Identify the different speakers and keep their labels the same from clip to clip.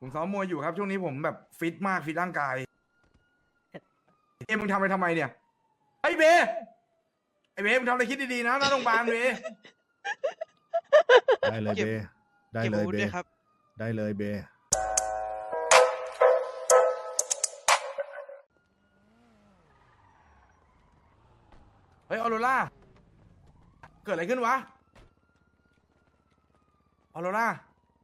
Speaker 1: ผมซ้อมมวยอยู่ครับช่วงนี้ผมแบบฟิตมากฟิตร่างกายมึงทำไปทำไมเนี่ยไอ้เบไอ้เบมึงทำอะไรคิดดีๆนะหน้าโรงพยาบาลเบ
Speaker 2: ได้เลย
Speaker 3: เก็บ
Speaker 2: เบได้
Speaker 3: เก็บ
Speaker 2: เล
Speaker 3: อาย วุธ
Speaker 2: เบ
Speaker 3: ด้วยครับ
Speaker 2: ได้เลยเบ
Speaker 1: เฮ้ยออโรล่าเกิดอะไรขึ้นวะออโรล่า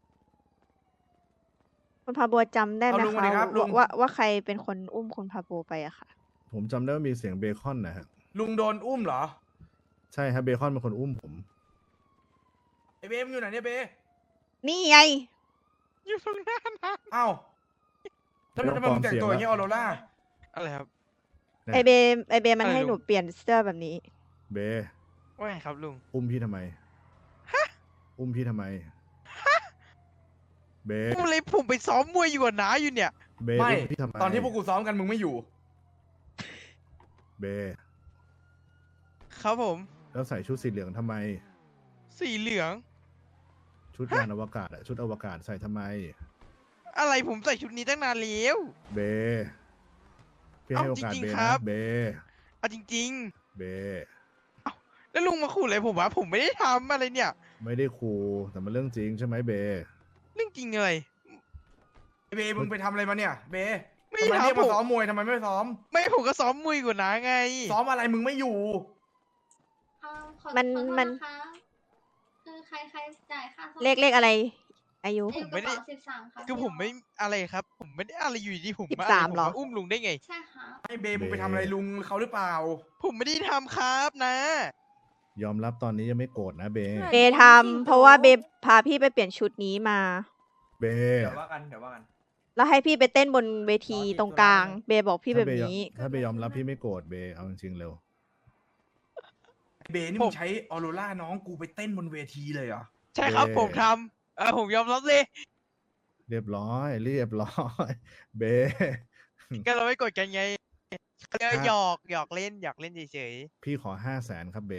Speaker 4: คุณพาบัวจำได้ไหม
Speaker 1: เอาลุงมา
Speaker 4: คะ
Speaker 1: ดิครับลุง
Speaker 4: ว่าใครเป็นคนอุ้มคุณพาบัวไปอะค่ะ
Speaker 2: ผมจำได้ว่ามีเสียงเบคอนนะฮะ
Speaker 1: ลุงโดนอุ้มเหรอ
Speaker 2: ใช่ครับเบคอนเป็นคนอุ้มผม
Speaker 1: ไอ้เบมึงอยู่ไหนเนี่ยเบ
Speaker 4: นี่ไง
Speaker 3: อยู่ตรงหน้านะ
Speaker 1: เอ้าทำไมมึงแต่งตัวอย่างเงี้ยออโรล่า
Speaker 3: อะไรครับ
Speaker 2: เนี่ย
Speaker 4: ไอเบมัน
Speaker 3: อะไร
Speaker 4: ให้
Speaker 3: ลุง
Speaker 4: หนูเปลี่ยนเสื้อแบบนี้
Speaker 2: เบ
Speaker 3: ว่าไงครับลุง
Speaker 2: อุ้มพี่ทำไมอุ้มพี่ทำไมเบ
Speaker 3: ผมเลยผมไปซ้อมมวยอยู่กับน้าอยู่เนี่ย
Speaker 2: เบ
Speaker 1: ไม่
Speaker 2: อุ้มพี่ทำไม
Speaker 1: ตอนที่พวกกูซ้อมกันมึงไม่อยู่
Speaker 2: เบ
Speaker 3: ครับผม
Speaker 2: แล้วใส่ชุดสีเหลืองทำไม
Speaker 3: สีเหลือง
Speaker 2: ชุดยานอวกาศอะชุดอวกาศใส่ทำไม
Speaker 3: อะไรผมใส่ชุดนี้ตั้งนานแล้ว
Speaker 2: เบพี่ให้
Speaker 3: เอ้า
Speaker 2: โอกาส
Speaker 3: จริงๆ
Speaker 2: เบ
Speaker 3: ครั
Speaker 2: นะ
Speaker 3: บ
Speaker 2: เบ
Speaker 3: เอาจริง
Speaker 2: เบ
Speaker 3: ๆ แล้วลุงมาขู่อะไรผมวะผมไม่ได้ทำอะไรเนี่ย
Speaker 2: ไม่ได้คูแต่มันเรื่องจริงใช่ไหมเบ
Speaker 3: เรื่องจริงเลย
Speaker 1: ไอ้เบมึงไปทำอะไรมาเนี่ยเบ
Speaker 3: ไม่
Speaker 1: ทำไม
Speaker 3: ทำ
Speaker 1: เรียก
Speaker 3: ผ
Speaker 1: มาม ซ้อมมวยทำไมไม่ซ้อม
Speaker 3: ไม่ผมก็ซ้อมมวยอยู่กับน้าไง
Speaker 1: ซ้อมอะไรมึงไม่อยู่
Speaker 4: มัน
Speaker 5: ขอโทษ
Speaker 4: มัน
Speaker 5: นะคะคือใครจ่ายค่าซ่อม
Speaker 4: เลขอะไร อายุ
Speaker 3: ผมไม่ได้
Speaker 5: 13ค่ะ
Speaker 3: คือผมไม่อะไรครับ ผมไม่ได้อะไรอยู่ดีผม
Speaker 4: 13
Speaker 3: มาอะไรผม
Speaker 4: เหรอ
Speaker 3: มาอุ้มลุงได้ไง
Speaker 5: ใช่ค่ะ
Speaker 1: ไอ้เบมึงไปทำอะไรลุงเขาหรือเปล่า
Speaker 3: ผมไม่ได้ทำครับนะ
Speaker 2: ยอมรับตอนนี้ยังไม่โกรธนะเบ
Speaker 4: เบทำเพราะว่าเบพาพี่ไปเปลี่ยนชุดนี้มา
Speaker 2: เบ
Speaker 1: เดี๋ยวว่ากันเดี๋ยวว่ากัน
Speaker 4: แล้วให้พี่ไปเต้นบนเวทีตรงกลาง เบบอกพี่แบบนี้
Speaker 2: ถ้าเบยอมรับพี่ไม่โกรธเบเอาจริงๆเร็ว
Speaker 1: ไอ้เบนี่
Speaker 3: ผ
Speaker 1: มึ
Speaker 3: ม
Speaker 1: งใช้ออโรล่าน้องกูไปเต้นบนเวทีเลยเหรอ
Speaker 3: ใช่ครับ
Speaker 2: เบ้
Speaker 3: ผมทำผมยอมรับเลย
Speaker 2: เรียบร้อยเรียบร้อย เบ
Speaker 3: ก็เราไม่กดกันไงก็
Speaker 2: ครับ
Speaker 3: หยอกเล่นเฉย
Speaker 2: พี่ขอ500,000ครับเบ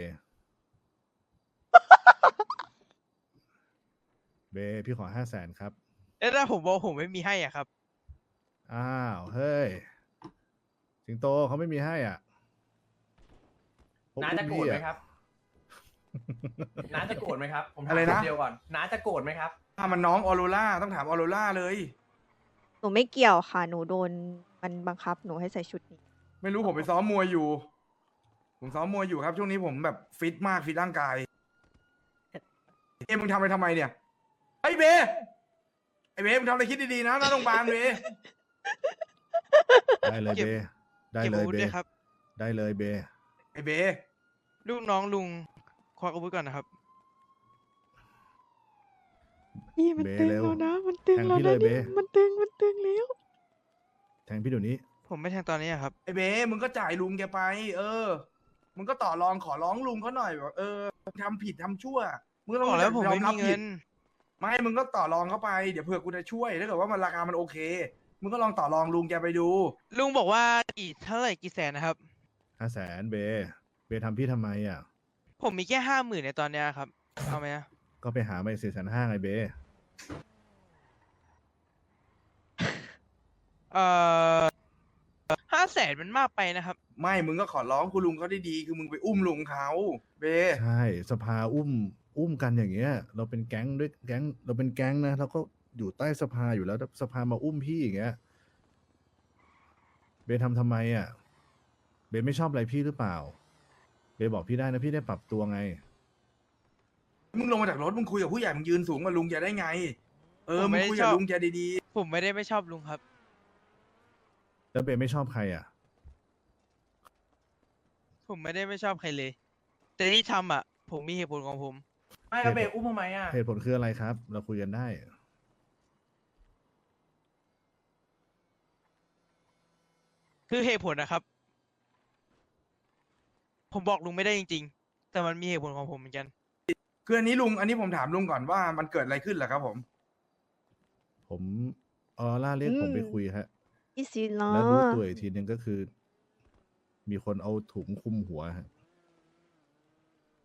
Speaker 2: เบพี่ขอ500,000ครับ
Speaker 3: ๆแล้วถ้าผมบอกผมไม่มีให้อ่ะครับ
Speaker 2: อ้าวเฮ้ยสิงโตเขาไม่มีให้อ่ะพว
Speaker 6: น้าจะโกรธไหมครับ น้าจะโกรธไหมครับ ผมถาม
Speaker 1: อะไรนะ
Speaker 6: คเดียวก่อน น้าจะโกรธไหมครับ
Speaker 1: ถ้ามันน้องออโรล่าต้องถามออโรล่าเลย
Speaker 4: หนูไม่เกี่ยวค่ะ หนูโดนมันบังคับหนูให้ใส่ชุดนี้
Speaker 1: ไม่รู้ผมไปซ้อมมวยอยู่ ผมซ้อมมวยอยู่ครับช่วงนี้ผมแบบฟิตมากฟิตร่างกายมึงทำไปทำไมเนี่ยไอ้เบไอ้เบมึงทำอะไรคิดดีๆนะหน้าโรงพยาบาลเบ
Speaker 2: ได้เลย
Speaker 3: เก็บ
Speaker 2: เบได้
Speaker 3: เก็บ
Speaker 2: เล
Speaker 3: อาย วุธ
Speaker 2: เบ
Speaker 3: ด้วยครับ
Speaker 2: ได้เลยเบ
Speaker 1: ไอ้เบ
Speaker 3: ลูกน้องลุงควักอาวุธก่อนนะครับ
Speaker 4: นี่มัน
Speaker 2: เบ
Speaker 4: ตึง
Speaker 2: เร็ว
Speaker 4: แล้วนะ มันตึง
Speaker 2: แทง
Speaker 4: แล้ว
Speaker 2: พี่เล
Speaker 4: นะ
Speaker 2: ยเบ
Speaker 4: นี่มันตึงแล้ว
Speaker 2: แทงพี่เดี๋ยวนี้
Speaker 3: ผมไม่แทงตอนนี้อะครับ
Speaker 1: ไอ้เบมึงก็จ่ายลุงแกไป เออ มึงก็ต่อรองขอร้องลุงเขาหน่อยแบบทำผิดทำชั่วมึงก็ต้
Speaker 3: บ
Speaker 1: อง
Speaker 3: อกแล้วผม
Speaker 1: ยอ
Speaker 3: ไม่
Speaker 1: รั
Speaker 3: มี
Speaker 1: บ
Speaker 3: เงิ
Speaker 1: ผิด
Speaker 3: น
Speaker 1: ไม่มึงก็ต่อรองเขาไปเดี๋ยวเผื่อกูจะช่วยถ้าเกิดว่ามันราคามันโอเค มึงก็ลองต่อรองลุงแกไปดู
Speaker 3: ลุงบอกว่าเท่าไหร่กี่แสนนะครับ
Speaker 2: 500,000เบเบทำพี่ทำไมอ่ะ
Speaker 3: ผมมีแค่50,000ในตอนเนี้ยครับ เอาไหมอะ
Speaker 2: ก็ไปหามาอีก450,000ไงเบ
Speaker 3: 500,000มันมากไปนะครับ
Speaker 1: ไม่มึงก็ขอร้องคุณลุงเขาได้ดีคือมึงไปอุ้มลุงเขาเบ
Speaker 2: ใช่สภาอุ้มกันอย่างเงี้ย เราเป็นแก๊งด้วยแก๊งเราเป็นแก๊งนะเราก็อยู่ใต้สภาอยู่แล้วสภามาอุ้มพี่อย่างเงี้ยเบทำไมอ่ะเบไม่ชอบอะไรพี่หรือเปล่า เบบอกพี่ได้นะพี่ได้ปรับตัวไง
Speaker 1: มึงลงมาจากรถมึงคุยกับผู้ใหญ่มึงยืนสูงกว่าลุงแกได้ไง
Speaker 3: ผม
Speaker 1: มึ
Speaker 3: ไม่
Speaker 1: ง
Speaker 3: ได้
Speaker 1: คุย
Speaker 3: ช
Speaker 1: กับ
Speaker 3: อบ
Speaker 1: ลุงแกดี
Speaker 3: ผมไม่ได้ไม่ชอบลุงครับ
Speaker 2: แล้วเบไม่ชอบใครอ่ะ
Speaker 3: ผมไม่ได้ไม่ชอบใครเลย แต่ที่ทำอ่ะ ผมมีเหตุผลของผม
Speaker 6: ไม่แล้วเบรอุ้มทำไมอ่ะ
Speaker 2: เหตุผลคืออะไรครับ เราคุยกันได้
Speaker 3: คือเหตุผลนะครับ ผมบอกลุงไม่ได้จริงๆ แต่มันมีเหตุผลของผมเหมือนกัน
Speaker 1: ๆคืออันนี้ลุงอันนี้ผมถามลุงก่อนว่ามันเกิดอะไรขึ้นเหรอครับผม
Speaker 2: ผมออร่าเรียกผมไปคุยฮะ
Speaker 4: อีสิเนา
Speaker 2: แล้วรู้
Speaker 4: ะ
Speaker 2: ตัวอีกทีนึงก็คือ มีคนเอาถุงคลุมหัวฮะ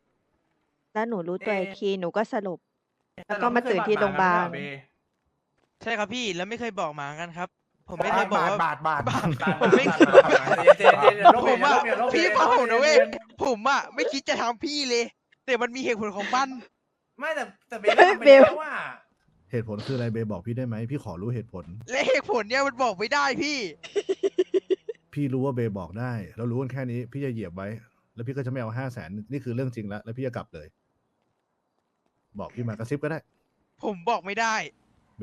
Speaker 4: แล้วหนูรู้ตัวอีกทีหนูก็สลบ แล้วก็
Speaker 6: ต่เร
Speaker 4: มาตื่นที่โรงพยาบาล
Speaker 6: ไม่เคยดหมงกันไม่ใช่เ
Speaker 3: ใช่ครับพี่แล้วไม่เคยบอกหมากันครับ ผมไม่เคยบอกว่า
Speaker 1: บาท
Speaker 3: ผมไม่
Speaker 6: เจน
Speaker 3: ผมอะ
Speaker 6: ลบ
Speaker 3: พี่
Speaker 6: เย็น
Speaker 3: ฟัง
Speaker 6: ลบ
Speaker 3: ผม
Speaker 6: เย็น
Speaker 3: นะเว้ย
Speaker 6: ลบเย็น
Speaker 3: ผมอะไม่คิดจะทำพี่เลย แต่มันมีเหตุผลของมัน
Speaker 6: ไม่แต่เบลทำไปแล้วว่า
Speaker 2: เหตุผลคืออะไรเบบอกพี่ได้ไหมพี่ขอรู้เหตุผล
Speaker 3: และเหตุผลเนี่ยมันบอกไม่ได้พี่
Speaker 2: พี่รู้ว่าเบบอกได้เรารู้กันแค่นี้พี่จะเหยียบไว้ แล้วพี่ก็จะไม่เอา500,000นี่คือเรื่องจริงแล้วพี่จะกลับเลย บอกพี่มากระซิบก็ได้
Speaker 3: ผมบอกไม่ได้
Speaker 2: เบ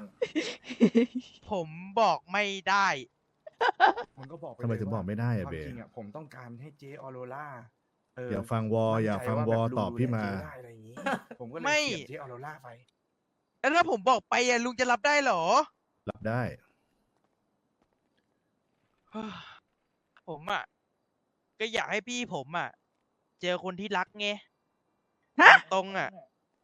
Speaker 3: ผมบอกไม่ได้
Speaker 1: มันก็บอกป
Speaker 2: ทำไมถึงบอกไม่ได้
Speaker 1: ค
Speaker 2: อะ
Speaker 1: วาม
Speaker 2: เบ
Speaker 1: จริงอะผมต้องการให้เจ๊ออโรล่า
Speaker 2: อย่าฟังวออย่าฟังวอตอบพี่มา
Speaker 1: มั่นใจว่แบบลุงดูแลเจ๊ได้อะไรอย่างงี้ ผมก็เลย
Speaker 3: ไม่
Speaker 1: เสียบเจ๊ออโรล่าไป
Speaker 3: แล้วถ้าผมบอกไปอะลุงจะรับได้เหรอ
Speaker 2: รับได้
Speaker 3: ผมอะก็อยากให้พี่ผมอะเจอคนที่รักไง
Speaker 4: ฮะ
Speaker 3: ตรงๆอะ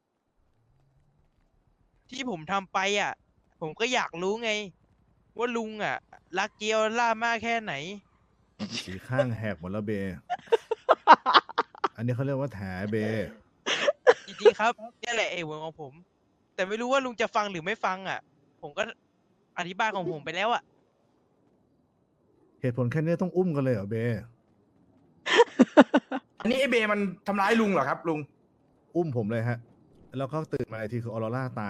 Speaker 3: ที่ผมทำไปอะผมก็อยากรู้ไง ว่าลุงอะรักเจียวล่ามากแค่ไหน
Speaker 2: สีข้างแหกหมดแล้วเบ อันนี้เขาเรียกว่าแถเบ
Speaker 3: จริงๆครับนี่แหละเหตุผลของผม แต่ไม่รู้ว่าลุงจะฟังหรือไม่ฟังอะผมก็อธิบายของผมไปแล้วอะ
Speaker 2: เหตุผลแค่นี้ต้องอุ้มกันเลยเหรอเบ
Speaker 1: อันนี้ไอเบมันทำร้ายลุงเหรอครับ ลุง
Speaker 2: อุ้มผมเลยฮะ แล้วก็ตื่นมาอีกทีคือออโรร่าตาย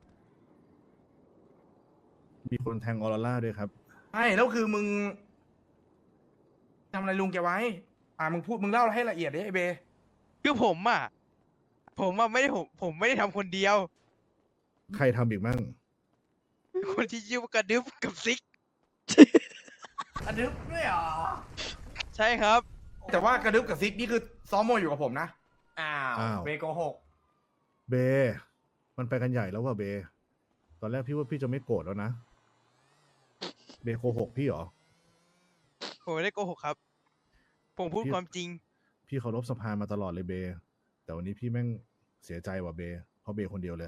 Speaker 2: มีคนแทงออโรร่าด้วยครับ
Speaker 1: ใช่แล้วคือมึงทำอะไรลุงแกไว้ มึงพูดมึงเล่าให้ละเอียดดิไอเบ
Speaker 3: คือผมอะไม่ได้ผมไม่ได้ทำคนเดียว
Speaker 2: ใครทำอีกมั่ง
Speaker 3: คนที่ชื่อว่ากระดึบกับซิก
Speaker 6: อันนึกด้วยเหรอ
Speaker 3: ใช่ครับ
Speaker 1: แต่ว่ากระดึบกับซิกนี่คือซ้อมมวยอยู่กับผมนะ
Speaker 6: อ้าว
Speaker 2: อ้าว
Speaker 6: เบโกหก
Speaker 2: เบ มันไปกันใหญ่แล้วว่ะเบ ตอนแรกพี่ว่าพี่จะไม่โกรธแล้วนะ เบโกหกพี่เหรอ
Speaker 3: ผมไม่ได้โกหกครับ ผมพูด
Speaker 2: พี่
Speaker 3: ความจริง
Speaker 2: พี่เคารพสภามาตลอดเลยเบ แต่วันนี้พี่แม่งเสียใจว่ะเบ เพราะเบคนเดียวเลยอะ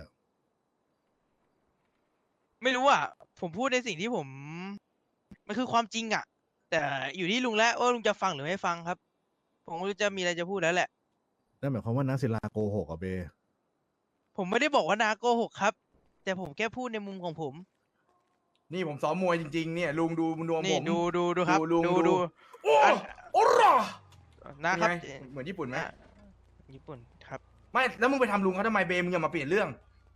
Speaker 3: ไม่รู้อ่ะ ผมพูดในสิ่งที่ผม มันคือความจริงอ่ะ แต่อยู่ที่ลุงแล้วว่าลุงจะฟังหรือไม่ฟังครับ ผมก็จะมีอะไรจะพูดแล้วแหละ
Speaker 2: นั่นหมายความว่านักศิลาโกหกอ่ะเบ
Speaker 3: ผมไม่ได้บอกว่านาโกหกครับ แต่ผมแค่พูดในมุมของผม
Speaker 1: นี่ผมซ้อมมวยจริงๆเนี่ยลุงดูนวม
Speaker 3: นี่
Speaker 1: ผม
Speaker 3: ดูครับ
Speaker 1: ลุง
Speaker 3: ดู
Speaker 1: โอ้
Speaker 3: อัน
Speaker 1: โอ้รอ
Speaker 3: นะครับ
Speaker 1: เป็นไงเหมือนญี่ปุ่นไหม
Speaker 3: อ่ะญี่ปุ่นครับ
Speaker 1: ไม่แล้วมึงไปทำลุงเขาทำไมเบมึงอย่ามาเปลี่ยนเรื่อง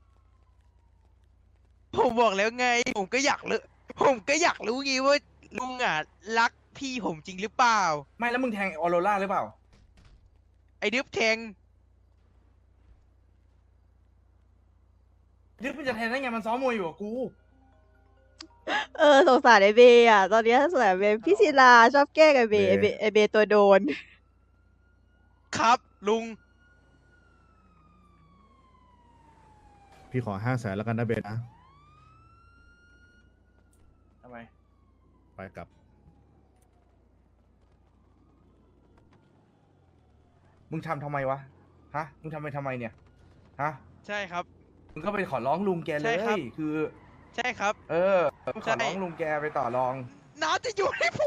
Speaker 3: ผมบอกแล้วไง ผมก็อยากรู้ไงว่าลุงอ่ะรักพี่ผมจริงหรือเปล่า
Speaker 1: ไม่แล้วมึงแทงออโรล่าหรือเปล่า
Speaker 3: ไอ้ดึบแทง
Speaker 1: นึกมันจะแทงได้ไงมันซ้อมมวยอยู่กับกู
Speaker 4: สงสารไอเบอ่ะ ตอนนี้สงสารเบพี่ศิลาชอบแกล้งไอเบ
Speaker 2: เบ
Speaker 4: ไอเบตัวโดน
Speaker 3: ครับ ลุง
Speaker 2: พี่ขอ500,000แล้วกันนะเบนะ
Speaker 6: ทำไม
Speaker 2: ไปกลับ
Speaker 1: มึงทำไมวะ ฮะ มึงทำไปทำไมเนี่ย ฮะ
Speaker 3: ใช่ครับ
Speaker 1: มึงก็ไปขอร้องลุงแกเล
Speaker 3: ใช่ครับ
Speaker 1: ย คือ
Speaker 3: ใช่ครับ
Speaker 1: ขอร้องลุงแกไปต่อรอง
Speaker 3: น้าจะอยู่ให้ผม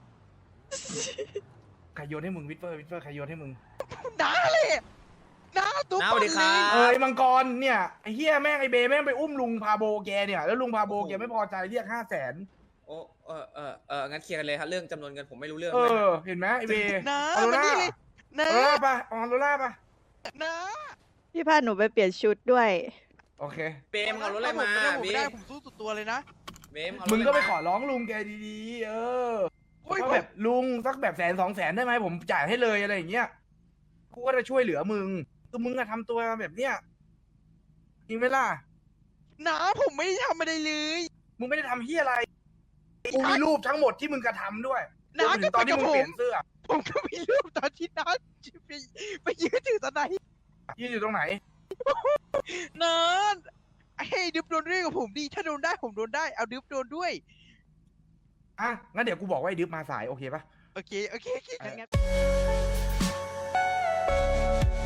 Speaker 1: ใครโยนให้มึงวิทเฟอร์ใครโยนให้มึง
Speaker 3: น้าเลยน้าตุ๊บ
Speaker 6: น้าสวัสดีครับ
Speaker 1: ไอ้มังกรเนี่ยไอ้เฮียแม่งไอ้เบแม่งไปอุ้มลุงพาโบแกเนี่ยแล้วลุงพาโบแกไม่พอใจเรียก500,000
Speaker 7: โอ้งั้นเคลียร์กันเลยครับเรื่องจำนวนเงินผมไม่รู้เรื่อง
Speaker 1: เอ
Speaker 7: ด้วย
Speaker 1: อ เห็นไหมไอ้เบ
Speaker 3: น้า
Speaker 1: ออโร
Speaker 3: มา
Speaker 1: ล่า
Speaker 3: นี่เลย
Speaker 1: อ
Speaker 3: น้า
Speaker 1: อโรล่าปะออโรล่าปะ
Speaker 3: น้า
Speaker 4: พี่พาหนูไปเปลี่ยนชุดด้วย
Speaker 1: โอเค
Speaker 7: เบมเอารถอะไรมา
Speaker 3: ถ้ผม
Speaker 7: เบ
Speaker 3: ไม่ได้
Speaker 7: ม
Speaker 3: ผมสู้สุดตัวเลยนะ
Speaker 7: เบมเอารถ
Speaker 1: มึง
Speaker 7: อะไร
Speaker 1: ก็ไป
Speaker 7: มา
Speaker 1: ขอร้องลุงแกดีๆ
Speaker 3: โอ้ย
Speaker 1: ก็แบบลุงสักแบบ100,000-200,000ได้ไหมผมจ่ายให้เลยอะไรอย่างเงี้ยกูก็จะช่วยเหลือมึงคือมึงอะทำตัวแบบเนี้ยจริงไหมล่ะ
Speaker 3: น้าผมไม่ได้ทำอะไรเลย
Speaker 1: มึงไม่ได้ทำเฮียอะไรกูมีรูปทั้งหมดที่มึงกระทำด้วย
Speaker 3: น้าร
Speaker 1: วมถึ
Speaker 3: ก็
Speaker 1: งตอนที่มึง
Speaker 3: ไปกับผม
Speaker 1: เปลี่ยนเสื้อ
Speaker 3: ผมก็มีรูปตอนที่น้าไปยืนถือตะไน
Speaker 1: ยืนอยู่ตรงไหน
Speaker 3: น้าให้ดึบโดนด้วยกับผมดิถ้าโดนได้ผมโดนได้ เอาดึบโดนด้วย
Speaker 1: อ่ะงั้นเดี๋ยวกูบอกว่าไอ้ดึบมาสายโอเคปะ
Speaker 3: โอเคงั้น